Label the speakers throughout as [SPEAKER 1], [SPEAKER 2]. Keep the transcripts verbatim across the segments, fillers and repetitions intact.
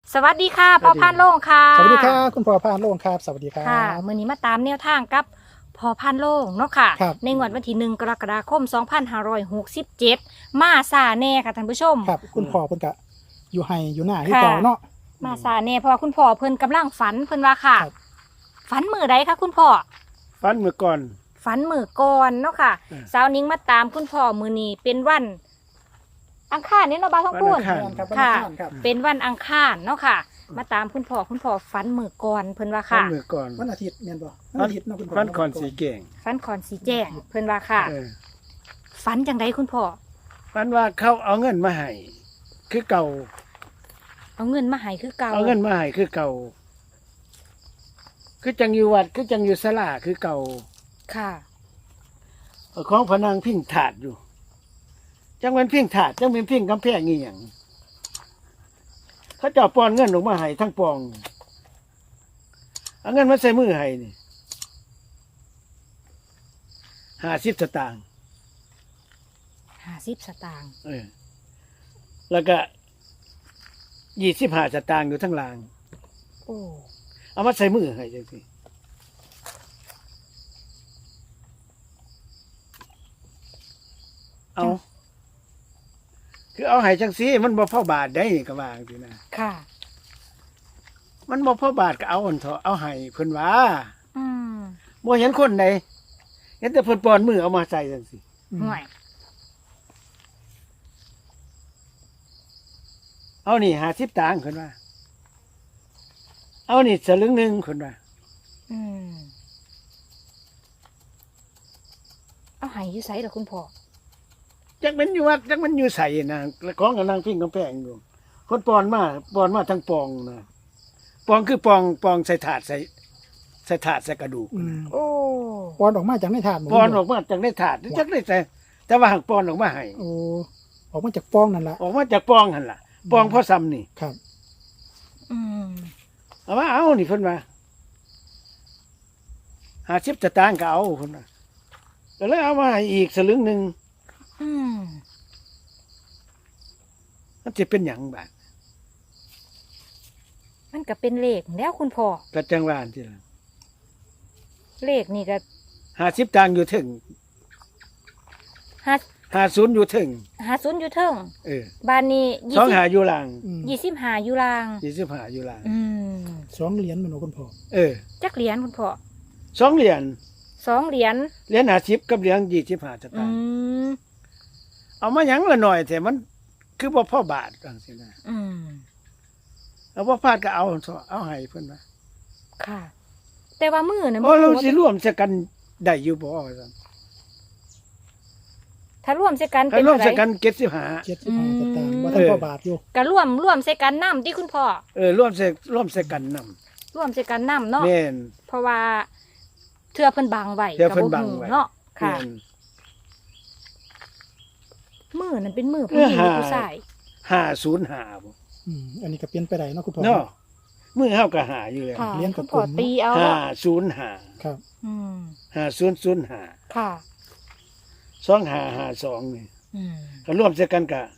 [SPEAKER 1] สวัสดีค่ะพ่อพานโล่งค่ะ
[SPEAKER 2] สวัสดีครับคุณพ่อพานโล่งครับสวัสดีครับ
[SPEAKER 1] ค่ะมื้อนี้มาตามแนวทางกับพ่อพานโล่งเนาะค่ะ
[SPEAKER 2] ครับ
[SPEAKER 1] ในงวดวันที่หนึ่งกรกฎาคมสองพันห้าร้อยหกสิบเจ็ดมาซาแน่ค่ะท่านผู้ชม
[SPEAKER 2] ครับคุณพ่อเพิ่นกะอยู่ให้อยู่หน้าที่
[SPEAKER 1] ค่ะ
[SPEAKER 2] เก่าเนาะ
[SPEAKER 1] มาซาแน่เพราะว่าคุณพ่อเพิ่นกำลังฝันเพิ่นว่าค่ะ
[SPEAKER 2] ครับ
[SPEAKER 1] ฝันมือใดคะคุณพ่อ
[SPEAKER 3] ฟันมือก่อน
[SPEAKER 1] ฝันมือก่อนเนาะค่ะ
[SPEAKER 3] อืม
[SPEAKER 1] สาวนิ้งมาตามคุณพ่อมือนี้เป็นวัน อังคารนี่เนาะบ้าวท้องพูน
[SPEAKER 3] วันอังคาร
[SPEAKER 2] แม่นครับ
[SPEAKER 1] ค่ะ
[SPEAKER 2] วันอังคารครับ
[SPEAKER 1] เป็นวันอังคารเนาะค่ะ มาตามคุณพ่อคุณพ่อฝันมือก่อนเพิ่นว่า
[SPEAKER 3] ฟัน
[SPEAKER 1] ค่ะ
[SPEAKER 3] มือก่อน
[SPEAKER 2] วันอาทิตย์แม่นบ่วันอาทิตย์เนาะคุณพ่อ
[SPEAKER 3] ฟันก่อนสีเก่ง
[SPEAKER 1] ฝันคอนสีแจ้งเพิ่นว่าค่ะ
[SPEAKER 3] เออ
[SPEAKER 1] ฝันจังไดคุณพ่อ
[SPEAKER 3] ฟันว่าเขาเอาเงินมาให้คือเก่า
[SPEAKER 1] เอาเงินมาให้คือเก่า
[SPEAKER 3] เอาเงินมาให้คือเก่า คือจังอยู่วัดคือจังอยู่ศาลาคือเก่า
[SPEAKER 1] ค่ะ
[SPEAKER 3] เอาของพนังพิงถาดอยู่ จังเป็นพิงถาดจังเป็นพิงกำแพงอีหยังเขาเจ้าปอนเงินออกมาให้ทั้งปองเอาเงินมาใส่มือให้นี่ห้าสิบสตางค์
[SPEAKER 1] ห้าสิบสตางค์
[SPEAKER 3] เออ แล้วก็ยี่สิบห้าสตางค์อยู่ทั้งราง
[SPEAKER 1] โอ้
[SPEAKER 3] เอามาใส่มือให้จังสิเอา คือเอาให้จังสิมันบ่พอบาทได้ก็ว่าจังซี่นะ
[SPEAKER 1] ค่ะ
[SPEAKER 3] มันบ่พอบาทก็เอาอันเถอะเอาให้เพิ่นว่า
[SPEAKER 1] อืม
[SPEAKER 3] บ่เห็นคนใดเห็นแต่เพิ่นปอนมือเอามาใส่จังสิ
[SPEAKER 2] อืม
[SPEAKER 1] ห่วย
[SPEAKER 3] เอานี่ห้าสิบตังค์เพิ่นว่า เอานี่สลึงหนึงเพิ่นว่า
[SPEAKER 1] อืมเอาให้อยู่ไสล่ะคุณพ่อ
[SPEAKER 3] จักมันอยู่วัดจักมันอยู่ใส่นะแล้วของกับนางพิงกำแพงอยู่คนปอนมาปอนมาทั้งปองนะปองคือปองปองใส่ถาดใส่ใส่ถาดใส่กระดูก
[SPEAKER 2] อืม
[SPEAKER 1] โอ้
[SPEAKER 2] ปอนออกมาจากในถาดหมู
[SPEAKER 3] ปอนออกมาจากในถาดจักได้ใส่แต่ว่าหักปอนออกมาให้
[SPEAKER 2] โอ้ออกมาจากปองนั่นล่ะ
[SPEAKER 3] ออกมาจากปองหั่นล่ะปองพ่อซ้ำนี่
[SPEAKER 2] ครับ
[SPEAKER 1] อืม
[SPEAKER 3] เอามาเอานี่เพิ่นว่าหาสิบสตางค์ก็เอาเพิ่นว่าก็เลยเอามาให้อีกสลึงหนึง
[SPEAKER 1] อืม
[SPEAKER 3] มันสิเป็นหยังบาด
[SPEAKER 1] มันก็เป็นเลขแล้วคุณพ่อ
[SPEAKER 3] ก็จังว่าอันที่ล่ะ
[SPEAKER 1] เลขนี่ก็
[SPEAKER 3] ห้าสิบตังค์อยู่ถึง
[SPEAKER 1] ห้า
[SPEAKER 3] ห้าศูนย์อยู่ถึง
[SPEAKER 1] หาศูนย์อยู่เทิง
[SPEAKER 3] เออ
[SPEAKER 1] บ้านนี้ยี่
[SPEAKER 3] สอง
[SPEAKER 1] สิบ
[SPEAKER 3] หาอยู่หลัง
[SPEAKER 2] อืม
[SPEAKER 1] ยี่สิบห้าอยู่ลาง
[SPEAKER 3] ยี่สิบห้าอยู่หลัง
[SPEAKER 1] อืม
[SPEAKER 2] สองเหรียญแม่นบ่คุณพ่อ
[SPEAKER 3] เออ
[SPEAKER 1] จักเหรียญคุณพ่อ
[SPEAKER 3] สองเหรียญ
[SPEAKER 1] สองเหรียญ
[SPEAKER 3] เหรียญห้าสิบกับเหรียญยี่สิบห้าส
[SPEAKER 1] อื
[SPEAKER 3] ตางค์
[SPEAKER 1] ม
[SPEAKER 3] เอามาหยังละหน่อยแต่มันคือบ่พอบาทจังซี่นะ
[SPEAKER 1] อืม
[SPEAKER 3] เอาบ่พลาดก็เอาเอาให้เพิ่นว่า
[SPEAKER 1] ค่ะ แต่ว่ามือนะ
[SPEAKER 3] โอ้เรา
[SPEAKER 1] บ่
[SPEAKER 3] สิร่วมจะกันได้อยู่บ่ว่าซั่น
[SPEAKER 1] ถ้าร่วมใส่กัน
[SPEAKER 3] ถ้า
[SPEAKER 1] เป็น
[SPEAKER 3] ร่วม
[SPEAKER 1] เท่าไห
[SPEAKER 3] จะ
[SPEAKER 1] ร่
[SPEAKER 3] กันเจ็ดสิบห้า
[SPEAKER 2] เจ็ดสิบห้าสตางค์
[SPEAKER 1] อืม
[SPEAKER 2] บ่ทันพอบาทอยู่
[SPEAKER 1] ก็ร่วมร่วมใส่กันน้ำที่คุณพ่อ
[SPEAKER 3] เออร่วมจะร่วมจะกันนำ
[SPEAKER 1] ร่วมใส่กันน้ำเนาะ
[SPEAKER 3] แม่น
[SPEAKER 1] เพราะว่าเทือเพิ่นบังไว้
[SPEAKER 3] เทื่อเพิ่น
[SPEAKER 1] ก็
[SPEAKER 3] บังไว้
[SPEAKER 1] เนาะค่ะ
[SPEAKER 3] แม่น
[SPEAKER 1] มือนั้นเป็นมือผู้หญิงหรือผู้ชาย
[SPEAKER 3] ห้าศูนย์ห้าบ่
[SPEAKER 2] อืมอันนี้ก็เปลี่ยนไปได้เนาะคุณพ่อ
[SPEAKER 3] เนาะมือเฮาก็หาอยู่แล้ว
[SPEAKER 1] ค่ะ
[SPEAKER 2] เลี้ยงกับ
[SPEAKER 1] คุณพ่อ
[SPEAKER 2] ผม
[SPEAKER 1] ตีเอา
[SPEAKER 3] ห้า
[SPEAKER 1] เนาะ
[SPEAKER 3] ศูนย์ห้า
[SPEAKER 2] ครับ
[SPEAKER 1] อืม
[SPEAKER 3] ห้าศูนย์ศูนย์ห้า
[SPEAKER 1] ค่ะ
[SPEAKER 3] สองห้าห้าสองนี่
[SPEAKER 1] อืม
[SPEAKER 3] ก็ร่วมจะกันก็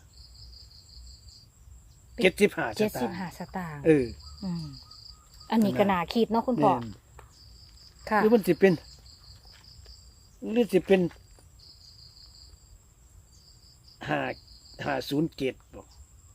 [SPEAKER 3] เจ็ดสิบห้าส
[SPEAKER 1] เจ็ด
[SPEAKER 3] ตา
[SPEAKER 1] สิบ
[SPEAKER 3] งค์
[SPEAKER 1] ห้าสตางค์
[SPEAKER 3] เออ
[SPEAKER 1] อืมอันนี้ก็น่าคิดเนาะคุณพ่อ
[SPEAKER 3] แม่น
[SPEAKER 1] ค่ะ
[SPEAKER 3] หรือมันสิเป็นหรือสิเป็นห้าห้าศูนย์เจ็ดบ่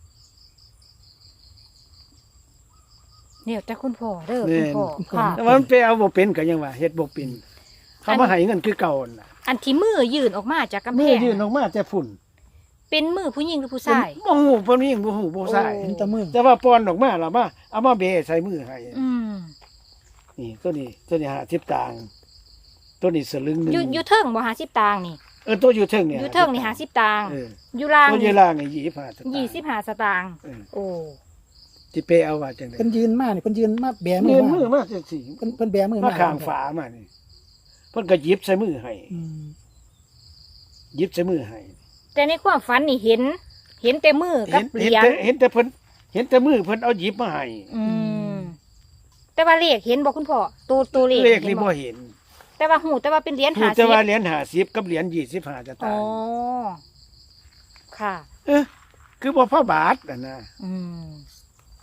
[SPEAKER 1] เนี่ยแต่คุณพ่อเด้อ
[SPEAKER 3] แม่
[SPEAKER 1] คุณ
[SPEAKER 3] น
[SPEAKER 1] พ่อค่ะ
[SPEAKER 3] แต่ว่ามันไปเอาบ่เป็นก็ยังว่าเฮ็ดบ่เป็นเขามาให้เงินคือเก่าน่ะ
[SPEAKER 1] อันที่มือยื่นออกมาจากกำแพ
[SPEAKER 3] มือง ยื่นออกมาแต่ฝุ่น
[SPEAKER 1] เป็นมือผู้หญิงหรือผู้ชาย
[SPEAKER 3] บ่ฮู้บ่มีบ่ฮู้บ่ใส่
[SPEAKER 1] โอ้
[SPEAKER 2] เห็นแตะมือ
[SPEAKER 3] แต่ว่าปอนออกมาแล้วมาเอามาเบะใส่มือให้
[SPEAKER 1] อืม
[SPEAKER 3] นี่ตัวนี้ตัวนี้ห้าสิบตังค์ตัวนี้สลึงหนึง
[SPEAKER 1] อยู่อยู่เทิงบ่หาสิบตางค์นี่
[SPEAKER 3] เออตัวอยู่เทิงเนี่ย
[SPEAKER 1] อยู่เทิงนี่หาสิบตางค์
[SPEAKER 3] เออ
[SPEAKER 1] อยู่ล่าง
[SPEAKER 3] ตัวอยู่ล่างนี่ยี่สิบห้าสตางค์
[SPEAKER 1] ยี่สิบห้าสตางค์
[SPEAKER 3] เออ
[SPEAKER 1] โอ้
[SPEAKER 3] สิไปเอาว่าจังได๋
[SPEAKER 2] เพิ่นยืนมานี่เพิ่นยืนมาแบมื
[SPEAKER 3] เงิ
[SPEAKER 2] อน
[SPEAKER 3] มือ
[SPEAKER 2] มา
[SPEAKER 3] มาจังซี่
[SPEAKER 2] เพิ่นเพิ่นแบมือ
[SPEAKER 3] มา
[SPEAKER 2] มา
[SPEAKER 3] ข้างฝามานี่เพิ่นก็หยิบใส่มือให้
[SPEAKER 2] อืม
[SPEAKER 3] หยิบใส่มือให้
[SPEAKER 1] แต่ในความฝันนี่เห็น เห็นแต่มือกั
[SPEAKER 3] เห็
[SPEAKER 1] บ
[SPEAKER 3] น
[SPEAKER 1] เห
[SPEAKER 3] เห็น
[SPEAKER 1] รียญ
[SPEAKER 3] แต่เห็นแต่เพิ่นเห็นแต่มือเพิ่นเอาหยิบมาให้
[SPEAKER 1] อืมแต่ว่าเลขเห็นบอกคุณพ่อตัวตัวเลข
[SPEAKER 3] เลขนี่
[SPEAKER 1] ห็
[SPEAKER 3] บ่
[SPEAKER 1] บ่
[SPEAKER 3] เห็น
[SPEAKER 1] แต่ว่าหูแต่ว่าเป็นเหรียญ
[SPEAKER 3] รู้
[SPEAKER 1] หา
[SPEAKER 3] แต่
[SPEAKER 1] สิบ
[SPEAKER 3] ว่าเหรียญห้าสิบกับเหรียญยี่สิบห้าส
[SPEAKER 1] อ๋
[SPEAKER 3] ตา
[SPEAKER 1] อง
[SPEAKER 3] ค์
[SPEAKER 1] ค่ะ
[SPEAKER 3] เอ๊ะคือบ่พอบาทน่ะนะ
[SPEAKER 1] อืม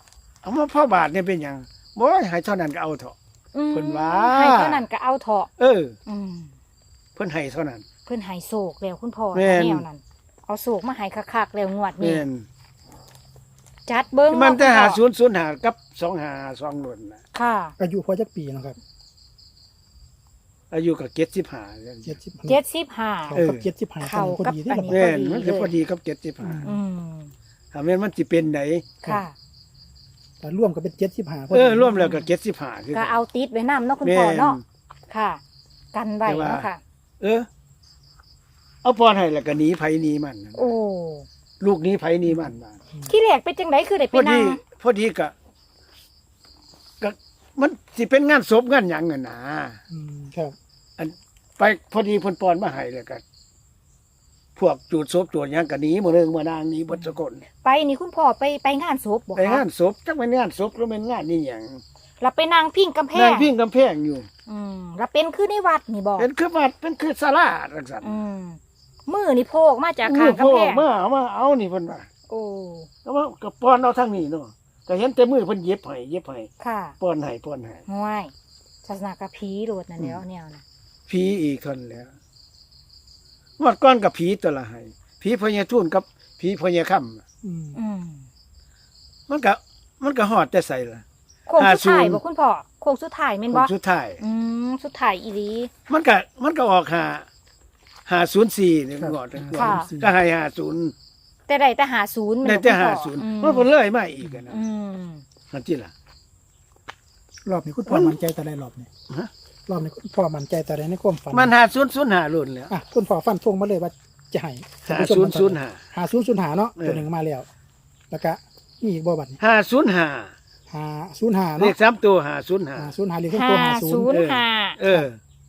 [SPEAKER 3] เอามาพ่อบาทเนี่ยเป็นหยังบ่ให้เท่านั้นก็เอาเถอะ
[SPEAKER 1] อืม
[SPEAKER 3] เพิ่นว่า
[SPEAKER 1] ให้เท่านั้นก็เอาเถาะ
[SPEAKER 3] เออ
[SPEAKER 1] อืม
[SPEAKER 3] เพิ่นให้เท่านั้น
[SPEAKER 1] เพิ่นให้โศกแล้วคุณพ่อ
[SPEAKER 3] แม่น
[SPEAKER 1] แนวนั้นเอาโศกมาให้คักๆแล้วงวดนี้
[SPEAKER 3] แม่น
[SPEAKER 1] จัดเบิ่ง
[SPEAKER 3] มันจะ
[SPEAKER 1] เาะ
[SPEAKER 3] หา
[SPEAKER 1] คุณพ่อ
[SPEAKER 3] ศูนย์ศูนย์หากับสองหาสองหล่นน่ะ
[SPEAKER 1] ค่ะ
[SPEAKER 2] อายุพอจักปีเนาะครับ
[SPEAKER 3] อายุก็เจ็ดสิบห้า
[SPEAKER 2] เจ็ดสิบ
[SPEAKER 1] เจ็ดสิบห้า
[SPEAKER 2] เขา
[SPEAKER 3] เออ
[SPEAKER 2] กับเจ็ดสิบห้า
[SPEAKER 1] เข้า
[SPEAKER 2] พอ
[SPEAKER 1] กับ
[SPEAKER 2] ดีที่
[SPEAKER 1] อัน
[SPEAKER 2] แบบ
[SPEAKER 1] นี้
[SPEAKER 3] แม่น
[SPEAKER 1] พอดี
[SPEAKER 3] มันจะพอดีกับเจ็ดสิบห้า
[SPEAKER 1] อืม
[SPEAKER 3] ถ้าแม่นมันสิเป็นไหน
[SPEAKER 1] ค่ะ
[SPEAKER 2] แต่ร่วมก็เป็นเจ็ดสิบห้า
[SPEAKER 3] เออร่วมแล้วก็เจ็ดสิบห้าคือ
[SPEAKER 1] ก็
[SPEAKER 3] กัน
[SPEAKER 1] เอาติดไว้นำเนาะคุณ
[SPEAKER 3] แม่
[SPEAKER 1] พ่อน เนาะค่ะ กันไว้
[SPEAKER 3] แต่ว่า
[SPEAKER 1] เนาะค่ะ
[SPEAKER 3] เออ เอาพรให้แล้วก็หนีไผหนีมัน
[SPEAKER 1] โอ้
[SPEAKER 3] ลูกหนี้ไผหนีมันบาด
[SPEAKER 1] ที่แรกเป็นจังไดคือได้
[SPEAKER 3] พ
[SPEAKER 1] ไป
[SPEAKER 3] อ
[SPEAKER 1] นั่
[SPEAKER 3] ดี
[SPEAKER 1] ง
[SPEAKER 3] พอดีก็ก็มันสิเป็นงานศพงานหยังอ่ะนะ
[SPEAKER 2] อืมครับ
[SPEAKER 3] อันไปพอดีเพิ่นปอนมาให้แล้วก็พวกจูดศพจูดหยังก็หนีมื้อนึงมื้อนางหนีเบิดสกล
[SPEAKER 1] ไปนี่คุณพ่อไปไปงานศพบ่
[SPEAKER 3] ไป
[SPEAKER 1] คะ
[SPEAKER 3] งานศพจักเป็นงานศพหรือเป็นงานนี่หยัง
[SPEAKER 1] เราไปนั่งพิงกำแพ
[SPEAKER 3] นาง
[SPEAKER 1] ง
[SPEAKER 3] พิงกำแพงอยู่
[SPEAKER 1] อืมเราเป็นคือในวัดนี่บ่
[SPEAKER 3] เป็นคือวัดเป็นคือศาลาจังซั่น
[SPEAKER 1] อืมมือนี่โพกมาจาก
[SPEAKER 3] มื
[SPEAKER 1] ข้าง
[SPEAKER 3] อพ่
[SPEAKER 1] กำ
[SPEAKER 3] อ
[SPEAKER 1] แพง
[SPEAKER 3] มาเอามาเอานี่เพิ่นว่า
[SPEAKER 1] โอ้
[SPEAKER 3] ก็ว่าก็ป้อนเอาทางนี้เนาะก็เห็นแต่มือเพิ่นเย็บให้เย็บให้
[SPEAKER 1] ค่ะ
[SPEAKER 3] ป้อนให้ป้อนให้
[SPEAKER 1] ห่วยศาสนากะผีโลดนั่นแล้วแนวน่ะ
[SPEAKER 3] ผีอีกคนแล้วงวดก้อนกับผีตัวละให้ผีพญาทุ่นกับผีพญาค่ำ
[SPEAKER 2] อืม
[SPEAKER 1] อืม
[SPEAKER 3] มันก็มันก็ฮอดแต่ใส่ละ
[SPEAKER 1] โค้งสุดท้าย
[SPEAKER 3] ห้าศูนย์
[SPEAKER 1] บ่คุณพ่อโค้งสุดท้ายแม่น
[SPEAKER 3] ค
[SPEAKER 1] บ่
[SPEAKER 3] นสุดท้าย
[SPEAKER 1] อืมสุดท้ายอีหลี
[SPEAKER 3] มันก็มันก็ออกหาหาศูนย์สี่นี่
[SPEAKER 2] ครับ
[SPEAKER 3] งอด
[SPEAKER 1] ค่ะ
[SPEAKER 3] ก็ให้หาศูนย์
[SPEAKER 1] แต่ได้แต่หาศูนย์แม่น
[SPEAKER 3] ได้
[SPEAKER 1] บ่
[SPEAKER 3] แต่
[SPEAKER 1] คุณ
[SPEAKER 3] หา
[SPEAKER 1] พ่อ
[SPEAKER 3] ศูนย์
[SPEAKER 1] อืม
[SPEAKER 3] มันเพิ่นเลยมาอีกอะนะ
[SPEAKER 1] อืม
[SPEAKER 3] นั่นที่ล่ะ
[SPEAKER 2] รอบนี้คุณพ่อมั่นใจแต่ใดรอบนี้
[SPEAKER 3] ฮะ
[SPEAKER 2] รอบนี้คุณพ่อมั่นใจแต่ใดในความฝัน
[SPEAKER 3] มันหาศูนย์ศูนย์หาลุ่นแล้ว
[SPEAKER 2] อ่ะคุณพ่อฟันธงมาเลยว่าจะให้
[SPEAKER 3] หาศูนย์ศูนย์หา
[SPEAKER 2] หาศูนย์ศูนย์หาเนาะ
[SPEAKER 3] เออ
[SPEAKER 2] ตัวหนึ่งมาแล้ว แล้วก็มีอีกบ่บัดนี้
[SPEAKER 3] หาศูนย์หา
[SPEAKER 2] หาศูนย์หา
[SPEAKER 3] เล
[SPEAKER 2] เนาะ
[SPEAKER 3] ขสามตัวหาศูนย์หา
[SPEAKER 2] หาศูนย์หาเลขเครื่องตัวหาศูนย์
[SPEAKER 1] ศูนย์ห้า
[SPEAKER 3] เออ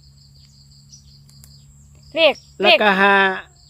[SPEAKER 1] เลข
[SPEAKER 3] แล้
[SPEAKER 1] เล
[SPEAKER 3] ว
[SPEAKER 1] ข
[SPEAKER 3] ก็หา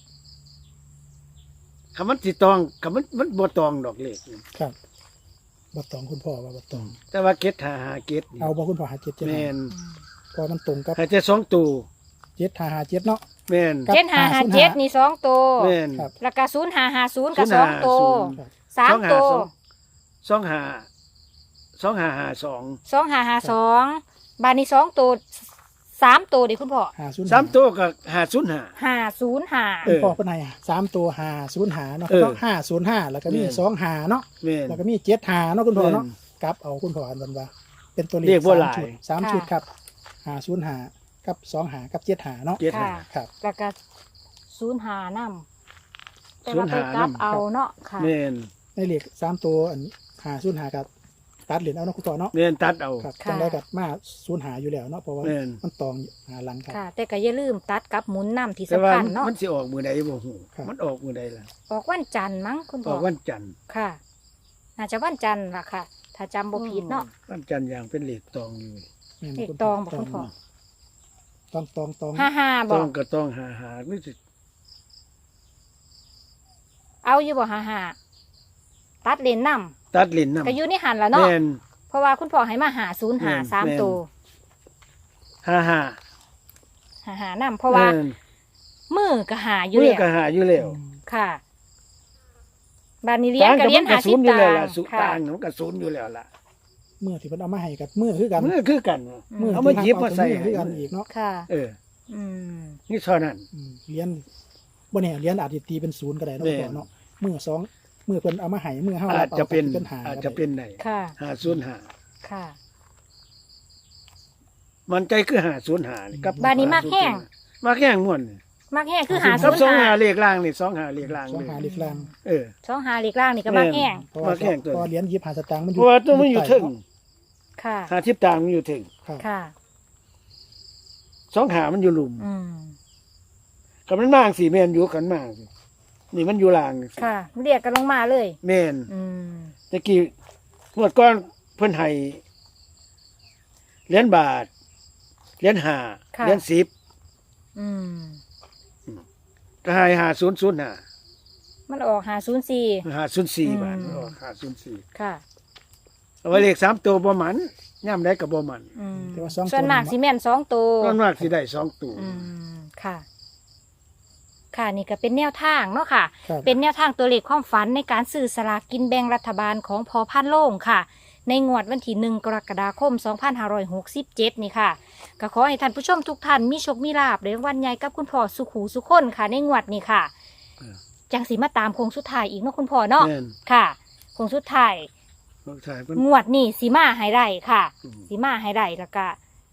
[SPEAKER 3] คำมันสิตองคำมันมันบ่ตองดอกเลข
[SPEAKER 2] ครับบ่ตองคุณพ่อว่าบ่ตอง
[SPEAKER 3] แต่ว่าเก็ดหาหาเก็ดนี่
[SPEAKER 2] เอาบ่คุณพ่อหาเจ็ดเจ็ด
[SPEAKER 3] แม่น
[SPEAKER 2] พอมันตรงกับ
[SPEAKER 3] หาแต่สองตัว
[SPEAKER 2] เจ็ดหาหาเจ็ดเนาะ
[SPEAKER 3] แม่น
[SPEAKER 2] ครับ
[SPEAKER 1] เจ็ดห้าห้าเจ็ดนี่สองตัว
[SPEAKER 3] แม่น
[SPEAKER 2] ครับ
[SPEAKER 1] แล้วก็ศูนย์ห้าห้าศูนย์ก็สองตัว
[SPEAKER 2] ครับ
[SPEAKER 1] สามตัว
[SPEAKER 3] สองหาสองหาหาสอง
[SPEAKER 1] สองห้าห้าสองบานนี้สองตัวสามตัวดิคุณพ่อ
[SPEAKER 2] หาศูนย์
[SPEAKER 3] สามตัวก็หาศูนย์หา
[SPEAKER 1] ห้าศูนย์ห้า
[SPEAKER 3] เอ
[SPEAKER 2] คุณ
[SPEAKER 3] อ
[SPEAKER 2] พ่อเป็นไงสามตัวหาศูนย์หาเนาะ
[SPEAKER 3] เออ
[SPEAKER 2] ก็ห้าศูนย์ห้าแล้วก็มี
[SPEAKER 3] แม่น
[SPEAKER 2] สองหาเนาะ
[SPEAKER 3] แม่น
[SPEAKER 2] แล้วก็มีเจ็ดหาเนาะคุณพ่อเนาะ
[SPEAKER 3] แม่น
[SPEAKER 2] กลับเอาคุณพ่ออันวันว่า เป็นตัวเลข
[SPEAKER 3] เรียกว่า
[SPEAKER 2] สาม
[SPEAKER 3] หลาย
[SPEAKER 2] ชุดสามชุดครับหาศูนย์หากับสองหากับเจ็ดหาเนาะ
[SPEAKER 3] เจ็ดหา
[SPEAKER 1] ค่ะ
[SPEAKER 2] ครับ
[SPEAKER 1] แล้วก็ศูนย์ห้านำแต่ว่าไป
[SPEAKER 3] ศูนย์ห้านำ
[SPEAKER 1] กลับเอาเนาะค่ะ
[SPEAKER 3] แม่น
[SPEAKER 2] ในเลขสามตัวอันหาศูนย์หากับตัดเหรียญเอาเนาะคุณพ่อเนาะ
[SPEAKER 3] แม่นตัดเอา
[SPEAKER 2] ครับ
[SPEAKER 1] ค่ะ
[SPEAKER 2] จังได้กับมาศูนย์หาอยู่แล้วเนาะเพราะว่า
[SPEAKER 3] แม่น
[SPEAKER 2] มันตองหาหลังครับ
[SPEAKER 1] ค่ะ แต่ก็อย่าลืมตัดกับหมุนนำที่
[SPEAKER 3] แต่
[SPEAKER 1] สำ
[SPEAKER 3] ว่า
[SPEAKER 1] คัญเนาะ
[SPEAKER 3] มันสิออกมือใดบ่ฮู้
[SPEAKER 2] ครับ
[SPEAKER 3] มันออกมือใดล่ะ
[SPEAKER 1] ออกวันจันทร์มั้งคุณ
[SPEAKER 3] อ
[SPEAKER 1] พ่อ
[SPEAKER 3] อกวันจันทร์
[SPEAKER 1] ค่ะ น่าจะวันจันทร์ล่ะค่ะ ถ้าจำบ่ผิดเนาะ
[SPEAKER 3] วันจันทร์อย่างเป็นเลขตองอยู่
[SPEAKER 2] แม่น
[SPEAKER 1] เลข
[SPEAKER 2] คุณ
[SPEAKER 1] ตองบอกคุณพ่อ
[SPEAKER 2] ตองตองตอง
[SPEAKER 1] ห้าห้าบ
[SPEAKER 3] ต
[SPEAKER 1] อ
[SPEAKER 3] อก งก็ต้องหาหาไม่สิ
[SPEAKER 1] เอาอยู่บ่ห้าห้าตัดเลนน
[SPEAKER 3] ตัดลิ้น
[SPEAKER 1] ำ
[SPEAKER 3] นำ
[SPEAKER 1] ก็อยู่ในหันละเนาะ
[SPEAKER 3] แม่น
[SPEAKER 1] เพราะว่าคุณพ่อให้มาหาศูนย์หา
[SPEAKER 3] แม่น
[SPEAKER 1] สาม
[SPEAKER 3] แม่น
[SPEAKER 1] ตัว
[SPEAKER 3] หาหา
[SPEAKER 1] หาหานำเพราะว่า
[SPEAKER 3] แม่น
[SPEAKER 1] มือก็หาอยู่
[SPEAKER 3] มือ
[SPEAKER 1] แล้ว
[SPEAKER 3] ก็หาอยู่แล้ว
[SPEAKER 2] อืม
[SPEAKER 1] ค่ะบานนี้เลี้ยงก็เลี้ยงหา
[SPEAKER 3] ศู
[SPEAKER 1] สิ
[SPEAKER 3] น
[SPEAKER 1] บ
[SPEAKER 3] ย์อยู่
[SPEAKER 1] ตา
[SPEAKER 3] แล้ว
[SPEAKER 1] ง
[SPEAKER 3] ล่ะศูนย์
[SPEAKER 1] ค่ะ
[SPEAKER 3] ต่างมันก็ศูนย์อยู่แล้วล่ะ
[SPEAKER 2] เมื่อที่เพิ่นเอามาให้กับเมื่อคือกัน
[SPEAKER 3] มือคือกัน
[SPEAKER 1] อืม
[SPEAKER 3] เอามาหยิบมาใส่
[SPEAKER 2] เอคือกันอีกเนาะ
[SPEAKER 1] ค่ะ
[SPEAKER 3] เออ
[SPEAKER 1] อืม
[SPEAKER 3] นี่เท่านั้น
[SPEAKER 2] อืมเหรียญบ่แน่เหรียญอาจจะตีเป็นศูนย์ก็ได้เนาะ
[SPEAKER 3] แม่น
[SPEAKER 2] คุณพ่อเนาะมือสองมือเพิ่นเอามาให้มือเฮา
[SPEAKER 3] อา
[SPEAKER 2] รั
[SPEAKER 3] จ
[SPEAKER 2] บเอา
[SPEAKER 3] จะเป็น
[SPEAKER 2] เป็นหา
[SPEAKER 3] อาจ
[SPEAKER 2] ก็
[SPEAKER 3] จะ
[SPEAKER 2] ได้
[SPEAKER 3] เป็นไหน
[SPEAKER 1] ค่ะ
[SPEAKER 3] หาศูนย์หา
[SPEAKER 1] ค่ะ
[SPEAKER 3] มันใจคือหาศูนย์หานี่กับ
[SPEAKER 1] บ้านนี้มากแห้ง
[SPEAKER 3] มากแห้งม่วนนี่
[SPEAKER 1] มากแห้งคือหา
[SPEAKER 3] กั
[SPEAKER 1] ศู
[SPEAKER 3] บ
[SPEAKER 1] นย์
[SPEAKER 3] สอง
[SPEAKER 1] หา
[SPEAKER 3] หาเลขล่างนี่สองหาเลขล่าง
[SPEAKER 2] สอง
[SPEAKER 3] เลย
[SPEAKER 2] หาเลขล่าง
[SPEAKER 3] เออ
[SPEAKER 1] สองหาหลีกล่างนี่ก็มากแห้ง
[SPEAKER 2] เพราะว่า
[SPEAKER 3] มาแข่งตัว
[SPEAKER 2] พอเหรียญยี่สิบห้าสตางค์มันอ
[SPEAKER 3] เพ
[SPEAKER 2] ยู่
[SPEAKER 3] ราะว่าตัวมันอยู่ถึง
[SPEAKER 1] ค่ะ
[SPEAKER 3] หาทิพตางมันอยู่ถึง
[SPEAKER 2] ครับ
[SPEAKER 1] ค่ะ
[SPEAKER 3] สองหามันอยู่หลุม
[SPEAKER 1] อืม
[SPEAKER 3] กับมันมากสิแม่นอยู่กันมากสินี่มันอยู่ล่างสิ
[SPEAKER 1] ค่ะ เรียกกันลงมาเลย
[SPEAKER 3] แม่น
[SPEAKER 1] อืม
[SPEAKER 3] ตะกี้งวดก้อนเพิ่นให้เหรียญบาทเหรียญห้า
[SPEAKER 1] ค่ะ
[SPEAKER 3] เหรียญสิบ
[SPEAKER 1] อืม
[SPEAKER 3] ก็ให้หาศูนย์ศูนย์หา
[SPEAKER 1] มันออกหาศูนย์สี่
[SPEAKER 3] หาศูนย์สี่
[SPEAKER 1] อืม
[SPEAKER 3] บาทออกหาศูนย์สี่
[SPEAKER 1] ค่ะ
[SPEAKER 3] เอาไว้เลขสามตัวบ่หมันย่ำได้กับบ่หมัน
[SPEAKER 1] อืม
[SPEAKER 2] แต่ว่าสองตัว
[SPEAKER 1] ส่วนมากซีเมนสองตัว
[SPEAKER 3] ก้อนมากสิได้สองตัว
[SPEAKER 1] อืมค่ะ ค่ะนี่ก็เป็นแนวทางเนาะค่ะ
[SPEAKER 2] ครับ
[SPEAKER 1] เป็นแนวทางตัวเลขความฝันในการซื้อสลากกินแบ่งรัฐบาลของพอพันโล่งค่ะในงวดวันที่หนึ่งกรกฎาคมสองพันห้าร้อยหกสิบเจ็ดนี่ค่ะก็ขอให้ท่านผู้ชมทุกท่านมีโชคมีลาภในวันใหญ่กับคุณพ่อสุขหูสุขคนค่ะในงวดนี้ค่ะจังสีมาตามโค้งสุดท้ายอีกเนาะคุณพ่อเนาะค่ะโค้งสุดท้ายงวดนี้สีมาให้ได้ค่ะสีมาให้ได้แล้วก็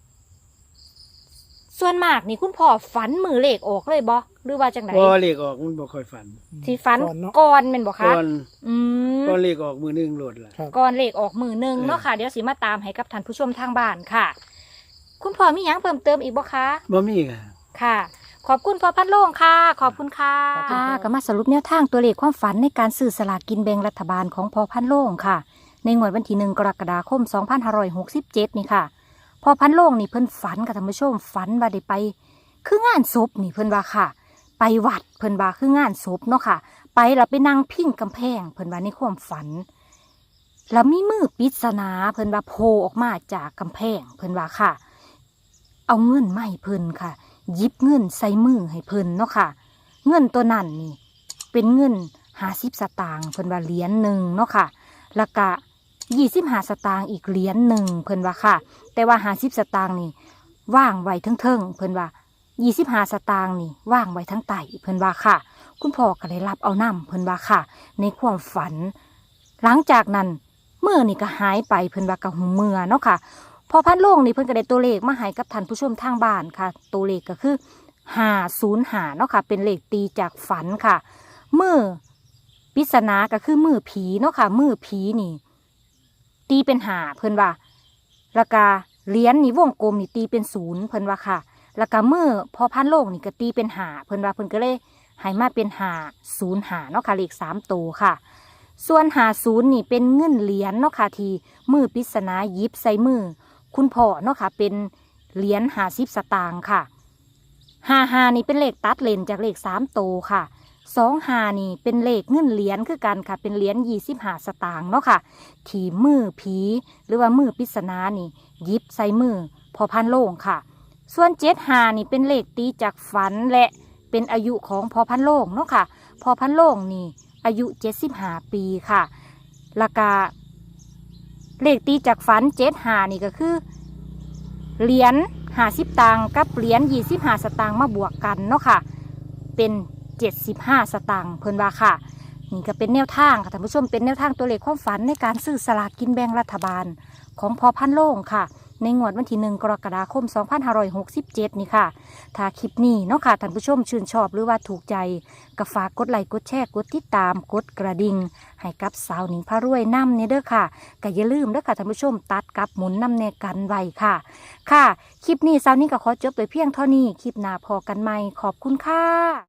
[SPEAKER 1] ส่วนมากนี่คุณพ่อฝันมือเลขออกเลยบ่หรือว่าจังไหน
[SPEAKER 3] บ่เลขออกมันบ่ค่อยฝัน
[SPEAKER 1] สิฝันก่อนเป็นบ่คะ
[SPEAKER 3] ก่อนอืมก่อนเลขออกมือนึงโหลดล่ะ
[SPEAKER 1] ก่อนเลขออกมือนึงเนาะค่ะเดี๋ยวสิมาตามให้กับท่านผู้ชมทางบ้านค่ะคุณพ่อมีหยังเพิ่มเติมอีกบ่คะ
[SPEAKER 3] บ่มีค่ะ
[SPEAKER 1] ค่ะขอบคุณพ่อพันโล่งค่ะขอบคุณค่ะค่ะก็มาสรุปแนวทางตัวเลขความฝันในการซื้อสลากกินแบ่งรัฐบาลของพ่อพันโล่งค่ะในงวดวันที่หนึ่งกรกฎาคมสองพันห้าร้อยหกสิบเจ็ดนี่ค่ะพ่อพันโล่งนี่เพิ่นฝันกับท่านผู้ชมฝันว่าได้ไปคืองานศพนี่เพิ่นว่าค่ะไปวัดเพิ่นว่าคืองานศพเนาะค่ะไปแล้วไปนั่งพิงกำแพงเพิ่นว่าในความฝันแล้วมีมือปริศนาเพิ่นว่าโผล่ออกมาจากกำแพงเพิ่นว่าค่ะเอาเงินมาให้เพิ่นค่ะหยิบเงินใส่มือให้เพิ่นเนาะค่ะเงินตัวนั้นนี่เป็นเงินห้าสิบสตางค์เพิ่นว่าเหรียญหนึ่งเนาะค่ะแล้วก็ยี่สิบห้าสตางค์อีกเหรียญหนึ่งเพิ่นว่าค่ะแต่ว่าห้าสิบสตางค์นี่ว่างไว้เทิงๆเพิ่นว่ายี่สิบห้าสตางค์นี่ว่างไว้ทั้งไตเพิ่นว่าค่ะคุณพ่อก็ได้รับเอานำเพิ่นว่าค่ะในความฝันหลังจากนั้นเมื่อนี่ก็หายไปเพิ่นว่าก็หูเมื่อเนาะค่ะพอพันโล่งนี่เพิ่นก็ได้ตัวเลขมาให้กับท่านผู้ชมทางบ้านค่ะตัวเลขก็คือห้าศูนย์ห้าเนาะค่ะเป็นเลขตีจากฝันค่ะมือปริศนาก็คือมือผีเนาะค่ะมือผีนี่ตีเป็นห้าเพิ่นว่าแล้วก็เหรียญนี่วงกลมนี่ตีเป็นศูนย์เพิ่นว่าค่ะแล้วก็มือพอพันโลกนี่ก็ตีเป็นหาเพิ่นว่าเพิ่นก็เลยให้มาเป็นหาศูนย์หาเนาะค่ะเลขสามตัวค่ะส่วนหาศูนย์นี่เป็นเงินเหรียญเนาะค่ะที่มือปริศนาหยิบใส่มือคุณพ่อเนาะค่ะเป็นเหรียญหาสิบสตางค์ค่ะหาหานี่เป็นเลขตัดเลนจากเลขสามตัวค่ะสองหานี่เป็นเลขเงินเหรียญคือกันค่ะเป็นเหรียญยี่สิบห้าสตางค์เนาะค่ะที่มือผีหรือว่ามือปริศนานี่หยิบใส่มือพอพันโลงค่ะส่วนเจ็ดหานี่เป็นเลขตีจากฝันและเป็นอายุของพอพันโลงเนาะค่ะพอพันโลงนี่อายุเจ็ดสิบห้าปีค่ะแล้วก็เลขตีจากฝันเจ็ดหานี่ก็คือเหรียญห้าสิบตังค์กับเหรียญยี่สิบห้าสตางค์มาบวกกันเนาะค่ะเป็นเจ็ดสิบห้าสตางค์เพิ่นว่าค่ะนี่ก็เป็นแนวทางค่ะท่านผู้ชมเป็นแนวทางตัวเลขความฝันในการซื้อสลากกินแบ่งรัฐบาลของพอพันโลงค่ะในงวดวันที่หนึ่งกรกฎาคมสองพันห้าร้อยหกสิบเจ็ดนี่ค่ะถ้าคลิปนี้เนาะค่ะท่านผู้ชมชื่นชอบหรือว่าถูกใจก็ฝากกดไลค์กดแชร์กดติดตามกดกระดิ่งให้กับสาวหนิงพารวยนำเนี่ยเด้อค่ะก็อย่าลืมเด้อค่ะท่านผู้ชมตัดกับหมุนนำแนกันไว้ค่ะค่ะคลิปนี้สาวหนิงก็ขอจบไปเพียงเท่านี้คลิปหน้าพอกันใหม่ขอบคุณค่ะ